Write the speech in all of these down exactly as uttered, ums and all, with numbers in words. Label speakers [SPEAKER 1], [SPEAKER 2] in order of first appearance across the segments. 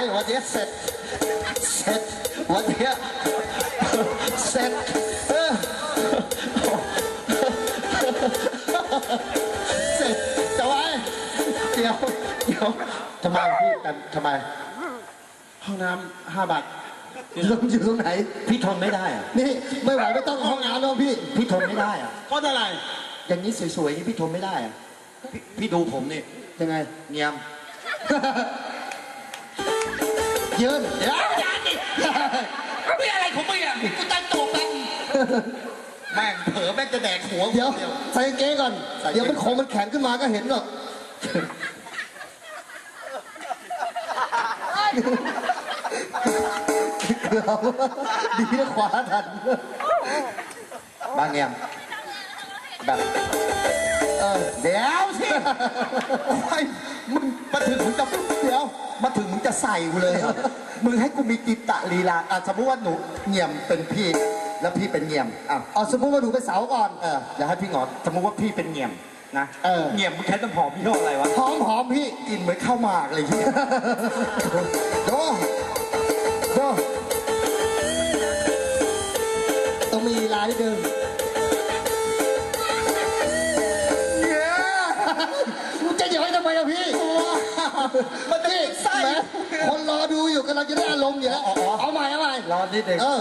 [SPEAKER 1] วันนี้เสร็จเสร็จวันนี้เสร็จเสร็จจะไว้เดี๋ยวเดี๋ยวทำไมพี่ทำไมห้องน้ำห้าบาทลงอยู่ตรงไหนพี่ทนไม่ได้อะนี่ไม่ไหวไม่ต้องห้องน้ำแล้วพี่พี่ทนไม่ได้อะเพราะอะไรอย่างนี้สวยๆนี่พี่ทนไม่ได้อะพี่ดูผมนี่ยังไงเงียบยืนเดี๋ยวอย่าดิไม่อะไรของมึงอ่ะกูตั้งตัวแป๊บแม่งเผลอแม่งจะแดกหัวเดี๋ยวใส่เก๊ก่อนเดี๋ยวมันของมันแข็งขึ้นมาก็เห็นหรอกดีนะขวาทันบางเงียบแบบเออเดี๋ยวสิไอ้มึงมาถึงมึงจะเดี๋ยวมาถึงมึงจะใส่กูเลยมึงให้กูมีกิตะลีลาอ่ะสมมติว่าหนูเงี่ยมเป็นพี่แล้วพี่เป็นเงี่ยมอ่ะเอาสมมติว่าหนูเป็นเสาก่อนเออเดี๋ยวให้พี่งอนสมมติว่าพี่เป็นเงี่ยมนะเออเงี่ยมมึงใช้น้ำหอมพี่ห้ออะไรวะหอมหอมพี่กินเหมือนข้าวหมากเลยพี่โดโดต้องมีลีลานิดนึงจะย้อยทำไมอะพี่มันพี่ใส่คนรอดูอยู่กำลังจะได้อารมณ์อยู่แล้วเอาใหม่เอาใหม่รอนิดเดียวเออ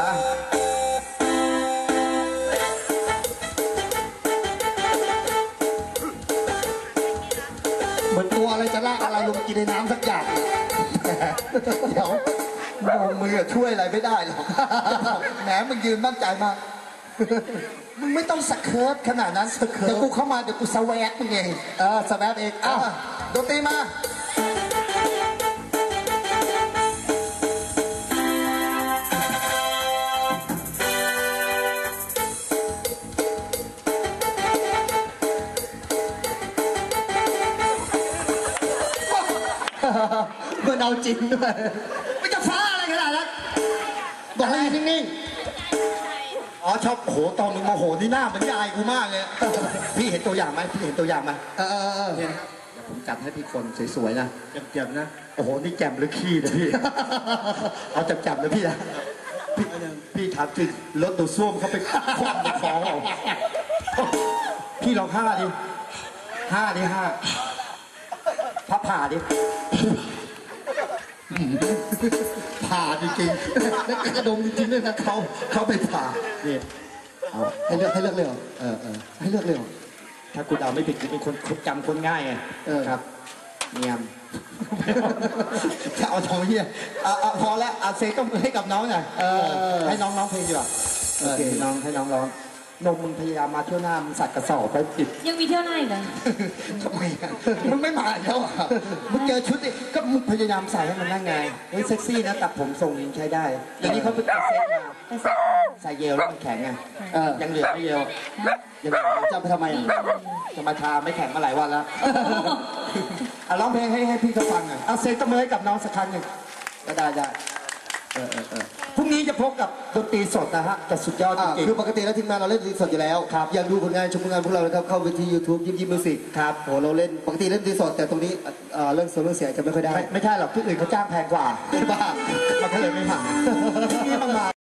[SPEAKER 1] เหมือนตัวอะไรจะลากอะไรลงกินในน้ำสักอย่างเดี๋ยวมือช่วยอะไรไม่ได้หรอกแหมมึงยืนมั่นใจมากมึงไม่ต้องสเคิร์ฟขนาดนั้นเดี๋ยวกูเข้ามาเดี๋ยวกูสแวกมึงเองเออสแวกเองอ้าวดนตรีมามันเอาจริงด้วยไม่จะฟ้าอะไรขนาดนั้นบอกให้นิ่งอ๋อชอบโหตอนมึงมาโหนี่หน้าเหมือนยายกูมากเลยพี่เห็นตัวอย่างไหมพี่เห็นตัวอย่างไหมเออเออเออเดี๋ยวผมจัดให้พี่คนสวยๆนะแจ่มๆนะโอ้โหนี่แจ่มหรือขี้นะพี่เอาแจ่มๆนะพี่นะพี่พี่ถามจริงรถดูซ่วมเขาไปคว้างไปฟ้องเอาพี่ลองห้าดิห้าดิห้าพับผ่าดิผ่าจริงๆแล้วกระดมจริงๆด้วยนะเขาเขาไปผ่าเนี่ยเอาให้เลือกให้เลือกเลยเหรอเออเออให้เลือกเลยเหรอถ้ากูเดาไม่ผิดกูเป็นคนจำคนง่ายไงเออครับเงียบจะเอาทองเฮียเอาพอแล้วเอาเซ็กต้องให้กับน้องหน่อยให้น้องร้องเพลงดีกว่าโอเคน้องให้น้องร้องนมมึงพยายามมาเที่ยวหน้ามึงสัตว์กระสอบไปติด
[SPEAKER 2] ยังมีเที่ยวหน้าอีกเหรอ
[SPEAKER 1] ทำไมมึงไม่มาแล้วอ่ะมึงเจอชุดนี่ก็มึงพยายามใส่ให้มันนั่งไงเฮ้ยเซ็กซี่นะตัดผมทรงนี้ใช้ได้อย่างนี้เขาไปตัดเซ็ตมาใส่เยลแล้วมันแข็งไงยังเหลือไม่เยลยังจำไปทำไมจะมาทาไม่แข็งมาหลายวันแล้วเอาร้องเพลงให้ให้พี่เขาฟังหน่อยเอาเซ็ตตะเมยกับน้องสักครั้งหนึ่งก็ได้ได้เออเออเออพรุ่งนี้จะพบกับดนตรีสดนะฮะแต่สุดยอดจริงๆคือปกติแล้วทีมงานเราเล่นดนตรีสดอยู่แล้วครับอยากดูผลงานชมผลงานพวกเรานะครับเข้าไปที่ ยูทูบ ยิ้มยิ้มมิวสิกครับโหเราเล่นปกติเล่นดนตรีสดแต่ตรงนี้เรื่องโซโล่เสียงจะไม่ค่อยได้ไม่ใช่หรอกที่อื่นเขาจ้างแพงกว่าเป็นบ้ามันก็เลยไม่ผ่าน